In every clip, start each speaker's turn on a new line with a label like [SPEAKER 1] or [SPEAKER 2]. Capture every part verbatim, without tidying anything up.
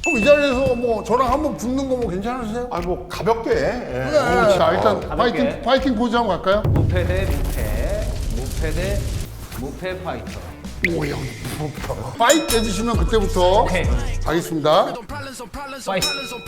[SPEAKER 1] 그럼 이 자리에서 뭐 저랑 한번 붙는 거 뭐 괜찮으세요?
[SPEAKER 2] 아니 뭐 가볍게. 예.
[SPEAKER 1] 네. 자 일단
[SPEAKER 3] 가볍게.
[SPEAKER 1] 파이팅 파이팅 포즈 한번 갈까요?
[SPEAKER 3] 무패 대 무패, 무패 대 무패 파이터.
[SPEAKER 1] 오 형 부럽다. 파이트 해주시면 그때부터
[SPEAKER 3] 오케이.
[SPEAKER 1] 가겠습니다.
[SPEAKER 3] 파이터.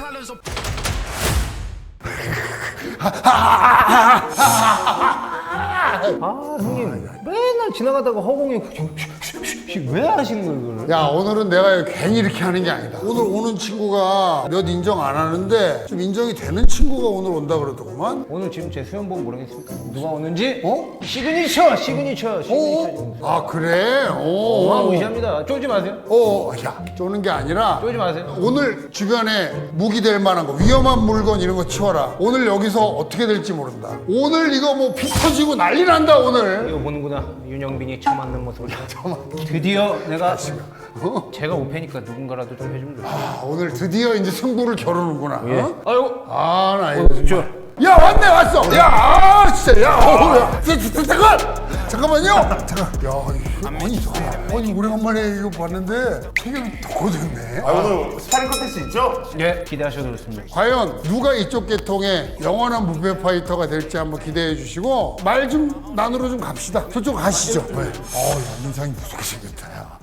[SPEAKER 3] 아 형님 맨날 지나가다가 허공에 왜 하시는 거예요 그걸?
[SPEAKER 1] 야 오늘은 내가 괜히 이렇게 하는 게 아니다. 오늘 오는 친구가 몇 인정 안 하는데 좀 인정이 되는 친구가 오늘 온다 그러더구만.
[SPEAKER 3] 오늘 지금 제 수염 보면 모르겠습니까? 누가 오는지?
[SPEAKER 1] 어?
[SPEAKER 3] 시그니처! 시그니처! 시그니처!
[SPEAKER 1] 어? 아 그래? 오.
[SPEAKER 3] 어마무시합니다. 쫄지 마세요.
[SPEAKER 1] 어, 야 쪼는 게 아니라
[SPEAKER 3] 쫄지 마세요.
[SPEAKER 1] 오늘 주변에 무기 될 만한 거 위험한 물건 이런 거 치워라. 오늘 여기서 어떻게 될지 모른다. 오늘 이거 뭐 피 터지고 난리 난다 오늘.
[SPEAKER 3] 이거 보는구나. 윤영빈이 처맞는 모습을. 드디어 내가 제가 오패니까 누군가라도 좀 해주면 좋겠다.
[SPEAKER 1] 아, 오늘 드디어 이제 승부를 겨루는구나.
[SPEAKER 3] 예.
[SPEAKER 1] 어?
[SPEAKER 3] 아이고.
[SPEAKER 1] 아, 나 이거
[SPEAKER 3] 저.
[SPEAKER 1] 정말. 야, 왔네, 왔어. 야, 아, 진짜, 야, 어, 야, 자, 자, 잠깐, 잠깐만요. 잠깐. 야, 이거, 아니, 아니, 오래간만에 이거 봤는데 체격이 더 커졌네.
[SPEAKER 2] 아 오늘 스파링 컨텐츠 있죠?
[SPEAKER 3] 예, 기대하셔도 좋습니다.
[SPEAKER 1] 과연 누가 이쪽 계통의 영원한 무패 파이터가 될지 한번 기대해 주시고 말 좀 나누러 좀 갑시다. 저쪽 가시죠. 네. 어, 야, 인상이 무섭게 생겼다. 야.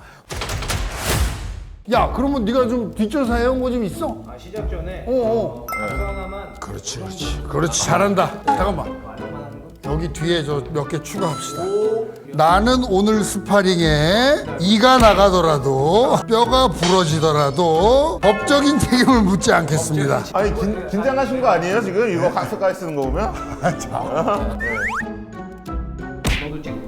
[SPEAKER 1] 야, 그러면 네가 좀 뒷조사 해온 거 좀 있어?
[SPEAKER 3] 아, 시작 전에
[SPEAKER 1] 어, 어.
[SPEAKER 3] 가수 하나만
[SPEAKER 1] 그렇지, 그렇지. 그렇지, 잘한다. 잠깐만. 여기 뒤에 저 몇 개 추가합시다. 나는 오늘 스파링에 이가 나가더라도 뼈가 부러지더라도 법적인 책임을 묻지 않겠습니다.
[SPEAKER 2] 아니 긴, 긴장하신 거 아니에요 지금 이거 가스까지 쓰는 거 보면?
[SPEAKER 3] 너도 찍고.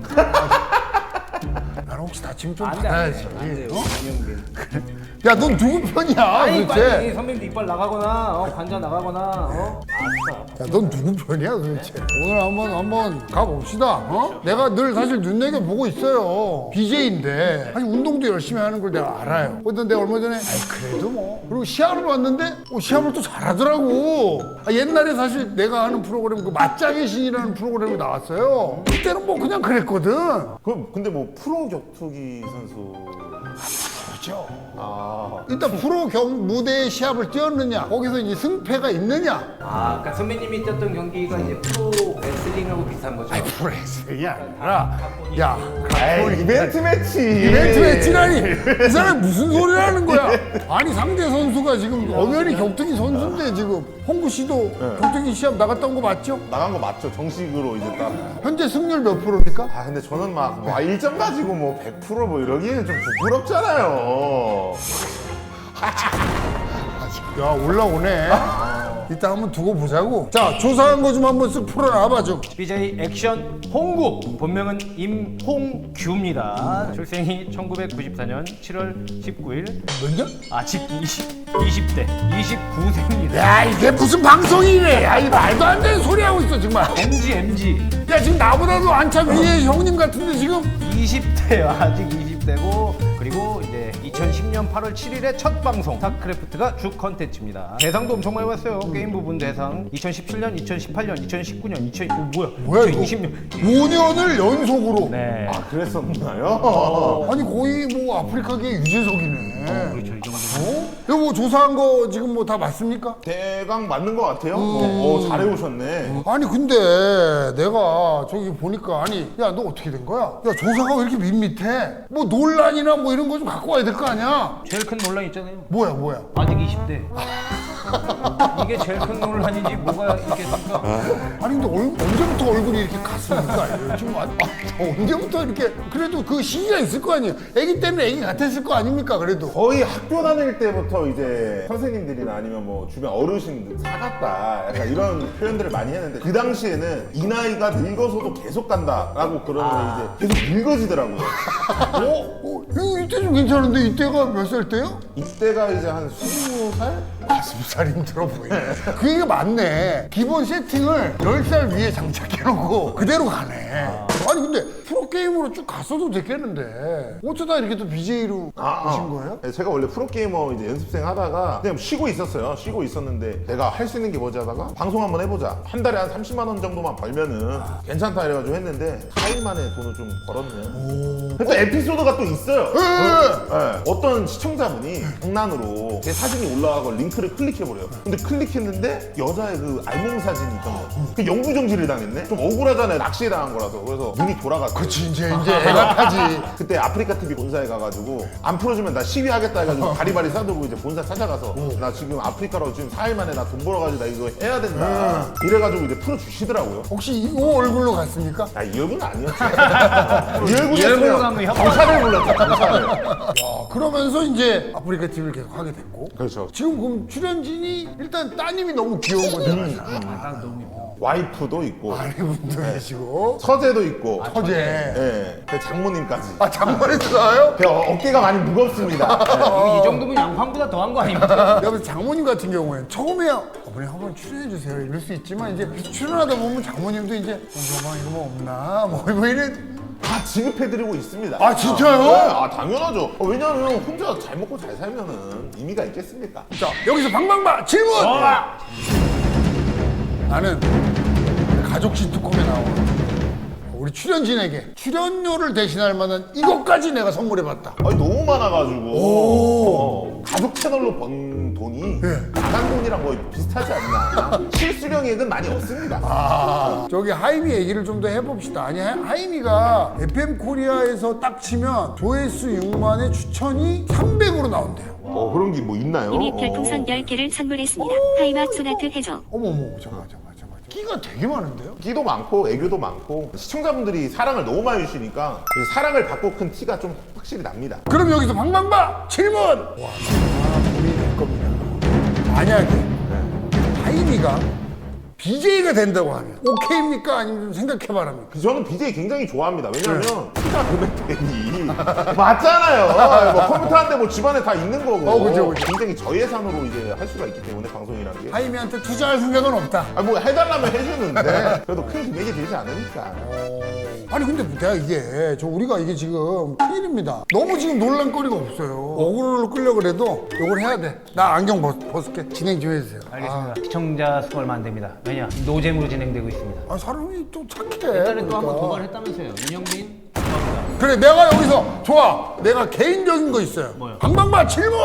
[SPEAKER 1] 나는 혹시 다치면 좀
[SPEAKER 3] 안 돼, 안
[SPEAKER 1] 받아야지.
[SPEAKER 3] 돼. 안 돼요.
[SPEAKER 1] 어?
[SPEAKER 3] 윤영빈.
[SPEAKER 1] 야, 넌 누구 편이야,
[SPEAKER 3] 아니,
[SPEAKER 1] 도대체?
[SPEAKER 3] 빨리 선배님도 이빨 나가거나, 어, 관자 나가거나, 어?
[SPEAKER 1] 야, 넌 누구 편이야, 도대체? 오늘 한번 한번 가봅시다. 어? 내가 늘 사실 눈여겨 보고 있어요. 비제이인데 아니 운동도 열심히 하는 걸 내가 알아요. 근데 내가 얼마 전에 아이 그래도 뭐 그리고 시합을 왔는데 어, 시합을 또 잘하더라고. 아, 옛날에 사실 내가 하는 프로그램 그 맞짱의 신이라는 프로그램이 나왔어요. 그때는 뭐 그냥 그랬거든.
[SPEAKER 2] 그럼 근데 뭐 프로 격투기 선수
[SPEAKER 1] 그렇죠.
[SPEAKER 2] 아
[SPEAKER 1] 일단 프로 경 무대에 시합을 뛰었느냐, 거기서 이제 승패가 있느냐.
[SPEAKER 3] 아, 그러니까 선배님이 뛰었던 경기가 이제 프로 레슬링하고 비슷한 거죠?
[SPEAKER 1] 아니 프로레슬링이 아니라 야
[SPEAKER 2] 에이, 이벤트 매치
[SPEAKER 1] 이벤트 매치라니 이 사람이 무슨 소리를 하는 거야. 아니 상대 선수가 지금 엄연히 격투기 선수인데 지금 홍구 씨도 격투기 시합 나갔다 온 거 맞죠?
[SPEAKER 2] 나간 거 맞죠? 정식으로 이제 딱.
[SPEAKER 1] 현재 승률 몇 프로입니까?
[SPEAKER 2] 아 근데 저는 막와 일 점 가지고 뭐 백 퍼센트 뭐 이러기에는 좀 부끄럽잖아요.
[SPEAKER 1] 야 올라오네. 이따 한번 두고 보자고. 자 조사한 거 좀 한번 쓱 풀어놔봐 좀.
[SPEAKER 3] 비제이 액션 홍구, 본명은 임홍규입니다. 출생이 천구백구십사 년 칠월 십구일.
[SPEAKER 1] 몇 년?
[SPEAKER 3] 아직 이십, 이십 대, 이십구 세입니다.
[SPEAKER 1] 야 이게 무슨 방송이래. 야 이 말도 안 되는 소리 하고 있어 정말.
[SPEAKER 3] 엠지, 엠지.
[SPEAKER 1] 야 지금 나보다도 한참 위에 형님 같은데 지금.
[SPEAKER 3] 이십 대요. 아직 이십 대고. 그리고 이제 이천십 년 팔월 칠일에 첫 방송 스타크래프트가 주 컨텐츠입니다. 대상도 엄청 많이 봤어요. 게임 부분 대상 이천십칠 년, 이천십팔 년, 이천십구 년, 이천 어, 뭐야?
[SPEAKER 1] 뭐야 이거?
[SPEAKER 3] 이천이십 년.
[SPEAKER 1] 오 년을 연속으로.
[SPEAKER 3] 네.
[SPEAKER 2] 아 그랬었나요?
[SPEAKER 1] 아니 거의 뭐 아프리카계 유재석이네.
[SPEAKER 3] 그렇죠. 이 정도.
[SPEAKER 1] 어? 이거 뭐 조사한 거 지금 뭐 다 맞습니까?
[SPEAKER 2] 대강 맞는 것 같아요. 어, 어, 잘해오셨네.
[SPEAKER 1] 아니 근데 내가 저기 보니까 아니 야 너 어떻게 된 거야? 야 조사가 왜 이렇게 밋밋해? 뭐 논란이나 뭐 이런 거 좀 갖고 와야 될 거 아니야?
[SPEAKER 3] 제일 큰 논란 있잖아요.
[SPEAKER 1] 뭐야 뭐야?
[SPEAKER 3] 아직 이십 대. 이게 제일 큰 논란이지 뭐가 있겠습니까?
[SPEAKER 1] 아니 근데 얼, 언제부터 얼굴이 이렇게 갔습니까? 지금 아, 아, 언제부터 이렇게 그래도 그 시기가 있을 거 아니에요? 애기 때는 애기 같았을 거 아닙니까 그래도?
[SPEAKER 2] 거의 학교 다닐 때부터 이제 선생님들이나 아니면 뭐 주변 어르신들 사갔다 약간 이런 표현들을 많이 했는데 그 당시에는 이 나이가 늙어서도 계속 간다라고 그러면 이제 계속 늙어지더라고요.
[SPEAKER 1] 어? 어? 이거 이때 좀 괜찮은데 이때가 몇 살 때요?
[SPEAKER 2] 이때가 이제 한 스무 살?
[SPEAKER 1] 가슴 살이 힘들어 보이네. 그 얘기가 맞네. 기본 세팅을 열 살 위에 장착해놓고 그대로 가네. 아니 근데 프로게이머로 쭉 갔어도 됐겠는데 어쩌다 이렇게 또 비제이로 오신 거예요?
[SPEAKER 2] 네, 제가 원래 프로게이머 이제 연습생 하다가 그냥 쉬고 있었어요. 쉬고 있었는데 내가 할 수 있는 게 뭐지 하다가 방송 한번 해보자. 한 달에 한 삼십만 원 정도만 벌면은 괜찮다 이래가지고 했는데 사 일 만에 돈을 좀 벌었네요. 또 에피소드가 또 있어요.
[SPEAKER 1] 예, 예.
[SPEAKER 2] 네, 어떤 시청자분이 장난으로 제 사진이 올라가고 링크를 클릭해버려요. 근데 클릭했는데 여자의 그 알몸 사진이 있던 거야. 그 영구정지를 당했네? 좀 억울하잖아요. 낚시에 당한 거라서. 그래서 눈이 돌아갔어요.
[SPEAKER 1] 그치 이제 이제 애가 타지.
[SPEAKER 2] 그때 아프리카 티비 본사에 가가지고 안 풀어주면 나 시위하겠다 해가지고 바리바리 싸들고 이제 본사 찾아가서 나 지금 아프리카로 지금 사 일 만에 나 돈 벌어가지고 나 이거 해야 된다. 이래가지고 이제 풀어주시더라고요.
[SPEAKER 1] 혹시 이 얼굴로 갔습니까?
[SPEAKER 2] 아, 이 얼굴은 아니었지. 이 얼굴이
[SPEAKER 3] 이 얼굴로 가면 협박.
[SPEAKER 2] 경찰을 불렀죠, 경찰을.
[SPEAKER 1] 아, 그러면서 이제 아프리카 티비를 계속 하게 됐고.
[SPEAKER 2] 그렇죠.
[SPEAKER 1] 지금 그럼 출연진이 일단 따님이 너무 귀여운 거잖아요.
[SPEAKER 3] 딱 너무 예뻐.
[SPEAKER 2] 와이프도 있고,
[SPEAKER 1] 아내분도 계시고
[SPEAKER 2] 처제도 있고,
[SPEAKER 1] 처제.
[SPEAKER 2] 예, 그 장모님까지.
[SPEAKER 1] 아 장모님도 나와요?
[SPEAKER 2] 그 어- 어깨가 많이 무겁습니다.
[SPEAKER 3] 이 정도면 양팡보다 더한 거 아닙니까?
[SPEAKER 1] 여기서 장모님 같은 경우에는 처음에 어머니 한번 출연해 주세요 이럴 수 있지만 이제 출연하다 보면 장모님도 이제 어, 저방 이거 뭐 없나 뭐, 뭐 이래.
[SPEAKER 2] 다 지급해드리고 있습니다.
[SPEAKER 1] 아, 진짜요?
[SPEAKER 2] 네, 아 당연하죠. 어, 왜냐하면 혼자 잘 먹고 잘 살면은 의미가 있겠습니까?
[SPEAKER 1] 자 여기서 방방바 질문. 나는 가족 시트콤에 나오는 우리 출연진에게 출연료를 대신할 만한 이것까지 내가 선물해봤다.
[SPEAKER 2] 아니 너무 많아가지고
[SPEAKER 1] 오.
[SPEAKER 2] 어, 가족 채널로 번 돈이
[SPEAKER 1] 네.
[SPEAKER 2] 나간 돈이랑 거의 비슷하지 않나. 실수령액은 많이 없습니다.
[SPEAKER 1] 아, 저기 하이미 얘기를 좀 더 해봅시다. 아니 하- 하이미가 에프엠 코리아에서 딱 치면 조회수 육만에 추천이 삼백으로 나온대요.
[SPEAKER 2] 어 그런 게 뭐 있나요?
[SPEAKER 4] 이미
[SPEAKER 2] 어.
[SPEAKER 4] 별풍선 열 개를 선물했습니다. 하이막 소나트 해줘.
[SPEAKER 1] 어머머 잠깐 잠깐 잠깐 끼가 되게 많은데요?
[SPEAKER 2] 끼도 많고 애교도 많고 시청자분들이 사랑을 너무 많이 주시니까 이제 사랑을 받고 큰 티가 좀 확실히 납니다.
[SPEAKER 1] 그럼 여기서 방방바 질문! 와, 아, 고민이 될 겁니다. 만약에 하이미가 비제이가 된다고 하면 오케이입니까? 아니면 좀 생각해봐랍니까?
[SPEAKER 2] 저는 비제이 굉장히 좋아합니다. 왜냐하면 티가 금액대니 맞잖아요. 뭐 컴퓨터 한 대 뭐 집안에 다 있는 거고
[SPEAKER 1] 어, 그죠, 그죠.
[SPEAKER 2] 굉장히 저예산으로 이제 할 수가 있기 때문에 방송이라는 게
[SPEAKER 1] 하이미한테 투자할 생각은 없다.
[SPEAKER 2] 아, 뭐 해달라면 해주는데 그래도 큰 금액이 되지 않으니까.
[SPEAKER 1] 아니 근데 내가 이게 저 우리가 이게 지금 큰일입니다. 너무 지금 논란거리가 없어요. 어그로를 끌려고 그래도 이걸 해야 돼. 나 안경 벗, 벗을게. 진행 좀 해주세요.
[SPEAKER 3] 알겠습니다. 시청자 수 얼마 안 됩니다. 왜냐? 노잼으로 진행되고 있습니다.
[SPEAKER 1] 아, 사람이 또 착해.
[SPEAKER 3] 옛날에 또 한 번
[SPEAKER 1] 그러니까.
[SPEAKER 3] 도발했다면서요. 윤영빈?
[SPEAKER 1] 그래 내가 여기서 좋아. 내가 개인적인 거 있어요.
[SPEAKER 3] 뭐요?
[SPEAKER 1] 방방바 질문.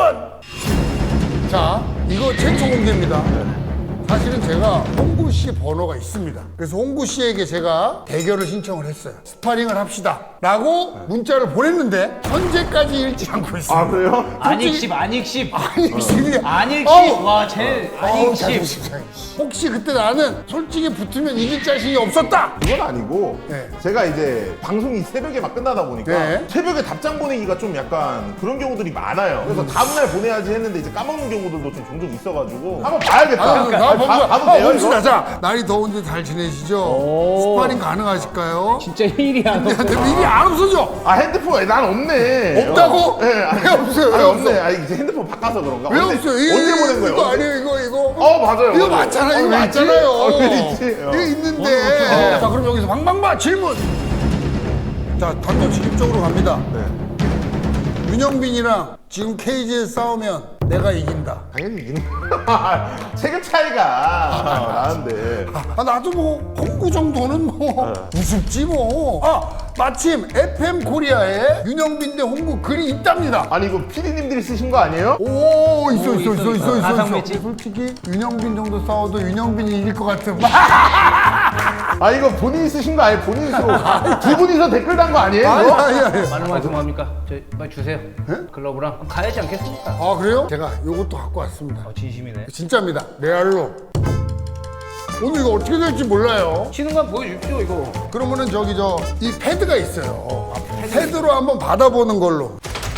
[SPEAKER 1] 자 이거 최초 공개입니다. 사실은 제가 홍구 씨 번호가 있습니다. 그래서 홍구 씨에게 제가 대결을 신청을 했어요. 스파링을 합시다. 라고 문자를 보냈는데 현재까지 읽지 않고 있습니다.
[SPEAKER 2] 아 그래요?
[SPEAKER 3] 안익십, 안익십.
[SPEAKER 1] 안익십이
[SPEAKER 3] 안익십. 와, 제일 안익십.
[SPEAKER 1] 혹시 그때 나는 솔직히 붙으면 이길 자신이 없었다.
[SPEAKER 2] 이건 아니고
[SPEAKER 1] 네.
[SPEAKER 2] 제가 이제 방송이 새벽에 막 끝나다 보니까
[SPEAKER 1] 네.
[SPEAKER 2] 새벽에 답장 보내기가 좀 약간 그런 경우들이 많아요. 그래서 다음날 보내야지 했는데 이제 까먹는 경우들도 좀 종종 있어가지고 한번 봐야겠다.
[SPEAKER 1] 아, 나
[SPEAKER 2] 아, 봐- 봐도
[SPEAKER 1] 아,
[SPEAKER 2] 돼요,
[SPEAKER 1] 봅시다.
[SPEAKER 2] 이거?
[SPEAKER 1] 자, 날이 더운데 잘 지내시죠? 스파링 가능하실까요?
[SPEAKER 3] 진짜 일이야.
[SPEAKER 1] 근데 미리 안 없어져.
[SPEAKER 2] 아 핸드폰 난 없네.
[SPEAKER 1] 없다고?
[SPEAKER 2] 어. 네, 아니,
[SPEAKER 1] 왜 없어요? 왜
[SPEAKER 2] 아니,
[SPEAKER 1] 없어?
[SPEAKER 2] 없네. 아니 이제 핸드폰 바꿔서 그런가?
[SPEAKER 1] 왜
[SPEAKER 2] 언제-
[SPEAKER 1] 없어요? 이거,
[SPEAKER 2] 언제 보낸
[SPEAKER 1] 이거,
[SPEAKER 2] 거예요?
[SPEAKER 1] 이거
[SPEAKER 2] 언제?
[SPEAKER 1] 아니에요, 이거, 이거.
[SPEAKER 2] 어 맞아요.
[SPEAKER 1] 이거
[SPEAKER 2] 맞아요.
[SPEAKER 1] 맞잖아,
[SPEAKER 2] 어,
[SPEAKER 1] 이거
[SPEAKER 2] 왜 있지?
[SPEAKER 1] 맞잖아요.
[SPEAKER 2] 어, 왜 있지? 어.
[SPEAKER 1] 이거 있는데. 자, 그럼 여기서 방방바 질문. 자, 단도직입적으로 갑니다.
[SPEAKER 2] 네.
[SPEAKER 1] 윤영빈이랑 지금 케이지에서 싸우면 내가 이긴다.
[SPEAKER 2] 당연히 이기는 체급 차이가 나는데
[SPEAKER 1] 아, 나도 뭐 홍구 정도는 뭐 우습지 뭐. 아, 마침 에프엠 코리아에 윤영빈 대 홍구 글이 있답니다.
[SPEAKER 2] 아니 이거 피디님들이 쓰신 거 아니에요?
[SPEAKER 1] 오, 있어,
[SPEAKER 3] 오,
[SPEAKER 1] 있어, 있어,
[SPEAKER 3] 있어,
[SPEAKER 1] 있어, 있어,
[SPEAKER 3] 가상
[SPEAKER 1] 있어.
[SPEAKER 3] 매치?
[SPEAKER 1] 솔직히 윤영빈 정도 싸워도 윤영빈이 이길 것 같은.
[SPEAKER 2] 아 이거 본인이 쓰신 거 아니에요? 본인이 쓰고 두 분이서 댓글 단 거 아니에요?
[SPEAKER 1] 아니,
[SPEAKER 2] 이거?
[SPEAKER 1] 아니, 아니.
[SPEAKER 3] 많은 말씀 합니까? 저 빨리 주세요. 글러브랑 가야지 않겠습니까?
[SPEAKER 1] 아, 그래요? 제가 요것도 갖고 왔습니다.
[SPEAKER 3] 어, 진심이네.
[SPEAKER 1] 진짜입니다. 레알로. 오늘 이거 어떻게 될지 몰라요.
[SPEAKER 3] 치는 거 보여주십시오 이거.
[SPEAKER 1] 그러면은 저기 저 이 패드가 있어요. 패드로 한번 받아보는 걸로.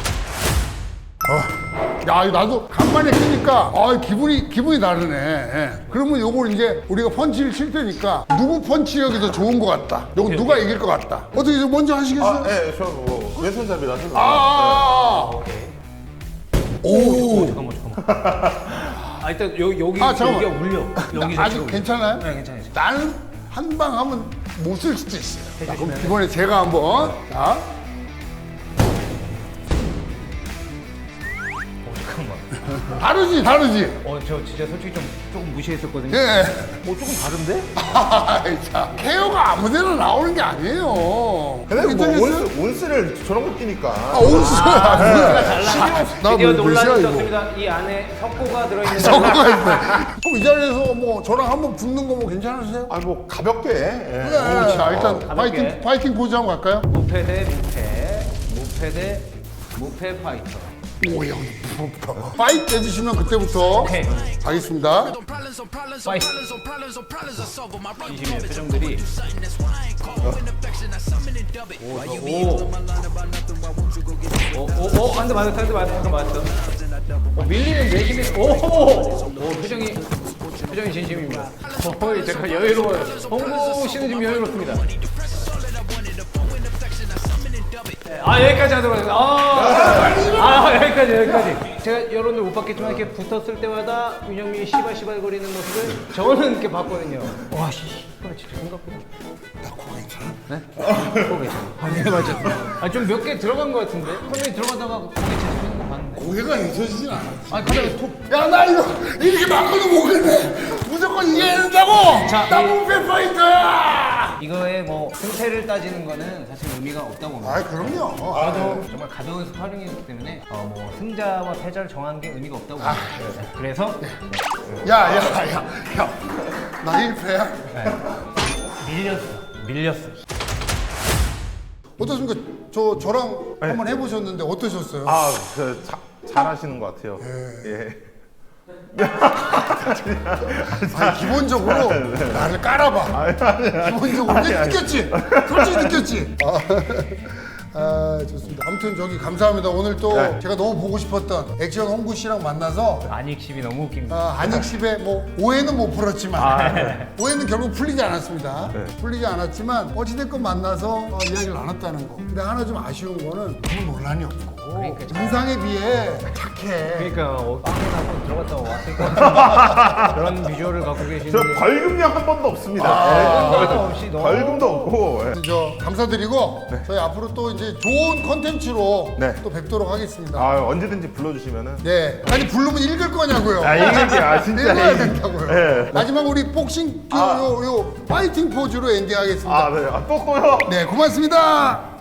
[SPEAKER 1] 어. 야, 이거 나도 간만에 끼니까 아, 기분이 기분이 다르네. 예. 그러면 요걸 이제 우리가 펀치를 칠 테니까 누구 펀치력이 더 좋은 것 같다. 요거 누가 이길 것 같다. 어떻게 좀 먼저 하시겠어요?
[SPEAKER 2] 아, 네, 저뭐 왼손잡이라서.
[SPEAKER 1] 아, 아, 아. 오.
[SPEAKER 3] 잠깐만 잠깐만. 아 일단 여기 여기
[SPEAKER 1] 아, 잠깐만.
[SPEAKER 3] 여기가 울려. 여기
[SPEAKER 1] 아직
[SPEAKER 3] 자체가
[SPEAKER 1] 괜찮아요?
[SPEAKER 3] 울려. 네 괜찮아요.
[SPEAKER 1] 나는 한 방 하면 못 쓸 수도 있어요. 자, 그럼
[SPEAKER 3] 해주시면은.
[SPEAKER 1] 이번에 제가 한번 자.
[SPEAKER 3] 어, 잠깐만.
[SPEAKER 1] 다르지, 다르지.
[SPEAKER 3] 어, 저 진짜 솔직히 좀 조금 무시했었거든요.
[SPEAKER 1] 예.
[SPEAKER 3] 어, 조금 다른데?
[SPEAKER 1] 아이, 참. 케어가 아무데나 나오는 게 아니에요.
[SPEAKER 2] 근데 뭐
[SPEAKER 1] 괜찮겠어요?
[SPEAKER 2] 온스, 온스를 저런 거 끼니까
[SPEAKER 1] 아, 온수가
[SPEAKER 3] 달라.
[SPEAKER 1] 나
[SPEAKER 3] 드디어
[SPEAKER 1] 뭐
[SPEAKER 3] 논란이
[SPEAKER 1] 몇이야, 이거.
[SPEAKER 3] 있었습니다. 이 안에 석고가 들어있는
[SPEAKER 1] 저거가 있네. 그럼 이 자리에서 뭐 저랑 한번 붙는 거 뭐 괜찮으세요?
[SPEAKER 2] 아니 뭐 가볍게 예.
[SPEAKER 1] 네. 자, 일단
[SPEAKER 3] 가볍게.
[SPEAKER 1] 파이팅, 파이팅 포즈 한번 갈까요?
[SPEAKER 3] 무패 대 무패, 무패 대 무패 파이터.
[SPEAKER 1] 오, 야, 무섭다. 파이트 해주시면 그때부터
[SPEAKER 3] 오케이.
[SPEAKER 1] 가겠습니다.
[SPEAKER 3] 파이터. 진심의 표정들이. 오, 오. 오, 오, 오, 한 대 맞았어, 한 대 맞았어, 한 대 맞았어. 어, 밀리는 내심이, 오, 오, 표정이, 표정이 진심입니다. 어, 제가 여유로워요. 홍보 씨는 지금 여유롭습니다. 아, 여기까지 하도록 하겠습니다. 아, 아, 여기까지, 여기까지. 제가 여러분들 못 봤겠지만 이렇게 붙었을 때마다 윤영민이 시발시발 거리는 모습을 저는 이렇게 봤거든요. 와, 씨, 이거 진짜 생각보다. 나코 괜찮아? 네? 코 괜찮아. 아, 네, 맞았어. 아, 좀 몇 개 들어간 것 같은데? 선배님 들어가다가 코 괜찮으시는 거 봤는데.
[SPEAKER 1] 고개가 잊혀지진 않아.
[SPEAKER 3] 아, 가다가 톡.
[SPEAKER 1] 야, 나 이거 이렇게 막고도 못겠네. 무조건 이겨야 된다고.
[SPEAKER 3] 자,
[SPEAKER 1] 나
[SPEAKER 3] 이-
[SPEAKER 1] 무패 파이터야.
[SPEAKER 3] 이거의 뭐 승패를 따지는 거는 사실 의미가 없다고 봅니다.
[SPEAKER 1] 아, 그럼요.
[SPEAKER 3] 저도 정말 가벼운 스파링이기 때문에 어, 뭐 승자와 패자를 정하는 게 의미가 없다고 봅니다. 네. 그래서
[SPEAKER 1] 야, 야, 야, 야. 나 일 패야.
[SPEAKER 3] 밀렸어. 밀렸어.
[SPEAKER 1] 어떻습니까? 저 저랑 한번 해보셨는데 어떠셨어요?
[SPEAKER 2] 아, 그 자, 잘하시는 것 같아요. 예.
[SPEAKER 1] 아니, 기본적으로 나를 깔아봐. 기본적으로
[SPEAKER 2] 아니, 아니.
[SPEAKER 1] 느꼈지? 솔직히 느꼈지? 아, 아, 좋습니다. 아무튼 저기 감사합니다. 오늘 또
[SPEAKER 2] 네.
[SPEAKER 1] 제가 너무 보고 싶었던 액션 홍구 씨랑 만나서
[SPEAKER 3] 안익십이 너무 웃깁니다.
[SPEAKER 1] 아, 안익십의 뭐 오해는 못 풀었지만 오해는 결국 풀리지 않았습니다.
[SPEAKER 2] 네.
[SPEAKER 1] 풀리지 않았지만 어찌됐건 만나서 어, 이야기를 나눴다는 거. 근데 하나 좀 아쉬운 거는 아무 논란이 없고
[SPEAKER 3] 그러니까.
[SPEAKER 1] 인상에 비해 착해.
[SPEAKER 3] 그러니까 어, 빵에 한번 들어갔다 왔을 것 같은 그런 비주얼을 갖고
[SPEAKER 2] 저
[SPEAKER 3] 계시는데
[SPEAKER 2] 벌금량 한 번도 없습니다.
[SPEAKER 3] 벌금도
[SPEAKER 2] 예.
[SPEAKER 3] 없이 너무
[SPEAKER 2] 벌금도 없고. 예.
[SPEAKER 1] 저 감사드리고 저희 앞으로 또 이제 좋은 컨텐츠로
[SPEAKER 2] 네.
[SPEAKER 1] 또 뵙도록 하겠습니다.
[SPEAKER 2] 아, 언제든지 불러주시면은.
[SPEAKER 1] 네. 아니 부르면 읽을 거냐고요.
[SPEAKER 2] 아, 이게 아 진짜.
[SPEAKER 1] 읽어야
[SPEAKER 2] 이-
[SPEAKER 1] 된다고요.
[SPEAKER 2] 예.
[SPEAKER 1] 마지막 우리 복싱 요,
[SPEAKER 2] 아.
[SPEAKER 1] 요, 요 파이팅 포즈로 엔딩하겠습니다.
[SPEAKER 2] 아, 네. 아, 또 또요.
[SPEAKER 1] 네, 고맙습니다.